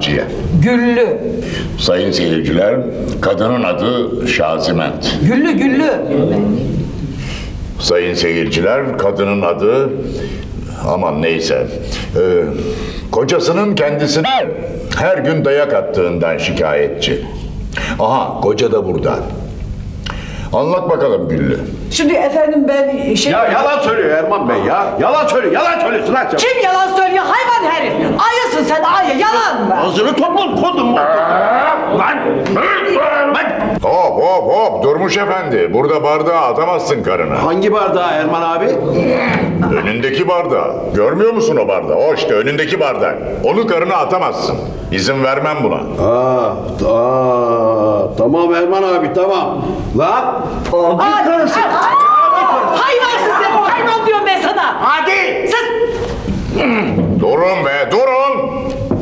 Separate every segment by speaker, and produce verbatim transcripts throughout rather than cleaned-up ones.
Speaker 1: Naciye.
Speaker 2: Güllü.
Speaker 1: Sayın seyirciler, kadının adı Şaziment.
Speaker 2: Güllü Güllü.
Speaker 1: Sayın seyirciler, kadının adı... Aman neyse. Ee, kocasının kendisine her gün dayak attığından şikayetçi. Aha, koca da burada. Anlat bakalım Güllü.
Speaker 2: Şimdi efendim ben şey...
Speaker 3: Ya yalan söylüyor Erman Bey ya. Yalan söylüyor, yalan söylüyorsun lan sen.
Speaker 2: Kim yalan söylüyor hayvan herif? Ayısın sen ayı, yalan mı?
Speaker 3: Ağzını topla kodum. Lan! Lan!
Speaker 1: Hop hop hop, Durmuş Efendi. Burada bardağı atamazsın karına.
Speaker 3: Hangi bardağı Erman abi?
Speaker 1: Önündeki bardağı. Görmüyor musun o bardağı? O işte önündeki bardak. Onu karına atamazsın. İzin vermem buna.
Speaker 3: Aa, aa, tamam Erman abi tamam. Lan!
Speaker 2: Ay, karısı. Hayvansın sen, hayvan diyorum ben sana.
Speaker 3: Hadi!
Speaker 2: Sus.
Speaker 1: Durun be, durun!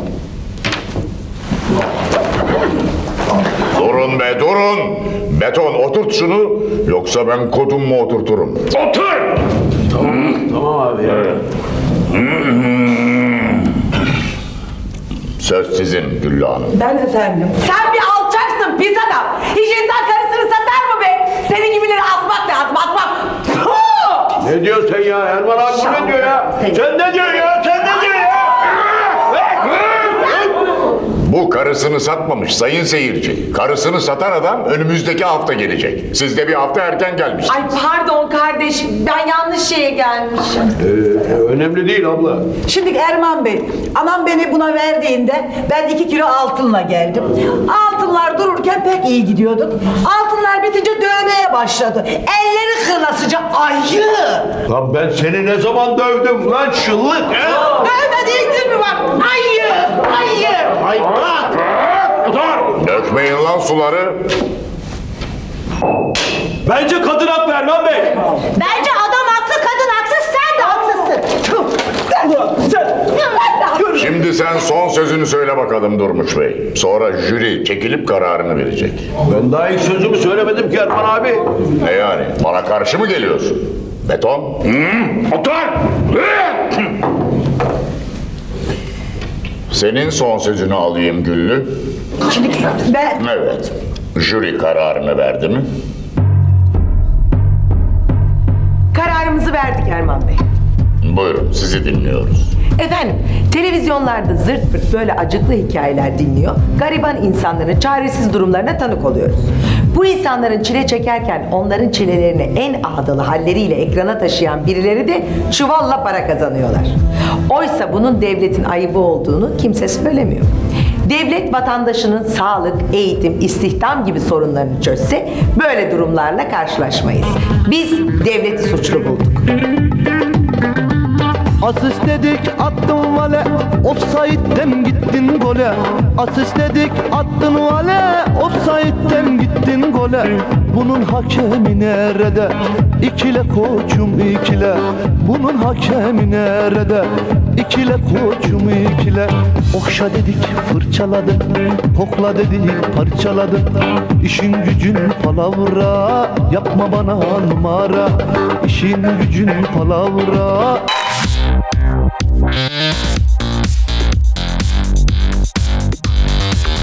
Speaker 1: Durun be, durun! Beton, oturt şunu, yoksa ben kodumu oturturum.
Speaker 3: Otur! Tamam, tamam abi ya.
Speaker 1: Söz sizin Güllü Hanım.
Speaker 2: Ben efendim. Sen bir alçaksın pis adam. Hiç insan karısını satar mı be? Senin gibileri asmak lazım, asmak. Puh!
Speaker 3: Ne diyorsun sen ya Erman abi bu ne diyor ya? Sen ne diyorsun ya? Sen ne diyorsun ya?
Speaker 1: Bu karısını satmamış sayın seyirci. Karısını satan adam önümüzdeki hafta gelecek. Siz de bir hafta erken gelmişsiniz.
Speaker 4: Ay pardon kardeşim, ben yanlış şeye gelmişim.
Speaker 3: Ee, önemli değil abla.
Speaker 2: Şimdi Erman Bey, anam beni buna verdiğinde ben iki kilo altınla geldim. Altınlar dururken pek iyi gidiyorduk. Altınlar bitince dövmeye başladı. Elleri kırlasıca ayı.
Speaker 3: Lan ben seni ne zaman dövdüm lan şıllık he?
Speaker 2: Dövme değil mi bak? Ayı, ayı.
Speaker 3: Ay bırak! Otur!
Speaker 1: Dökmeyin lan suları.
Speaker 5: Bence kadın haklı Erman Bey.
Speaker 4: Bence adam haklı, kadın haksız, sen de haksızsın.
Speaker 1: Şimdi sen son sözünü söyle bakalım Durmuş Bey. Sonra jüri çekilip kararını verecek.
Speaker 3: Ben daha ilk sözümü söylemedim ki Erman abi.
Speaker 1: Ne yani? Bana karşı mı geliyorsun? Beton? Hı? Otur! Senin son sözünü alayım Güllü.
Speaker 2: Şimdi ben...
Speaker 1: Evet. Jüri kararını verdi mi?
Speaker 6: Kararımızı verdik Erman Bey.
Speaker 1: Buyurun, sizi dinliyoruz.
Speaker 6: Efendim, televizyonlarda zırt pırt böyle acıklı hikayeler dinliyor, gariban insanların çaresiz durumlarına tanık oluyoruz. Bu insanların çile çekerken onların çilelerini en ağdalı halleriyle ekrana taşıyan birileri de çuvalla para kazanıyorlar. Oysa bunun devletin ayıbı olduğunu kimse söylemiyor. Devlet vatandaşının sağlık, eğitim, istihdam gibi sorunlarını çözse böyle durumlarla karşılaşmayız. Biz devleti suçlu bulduk.
Speaker 7: Asist dedik attın vale, offside'den gittin gole. Asist dedik attın vale, offside'den gittin gole. Bunun hakemi nerede? İkile koçum ikile. Bunun hakemi nerede? İkile koçum ikile. Okşa dedik fırçaladı, kokla dedik parçaladı. İşin gücün palavra, yapma bana numara. İşin gücün palavra.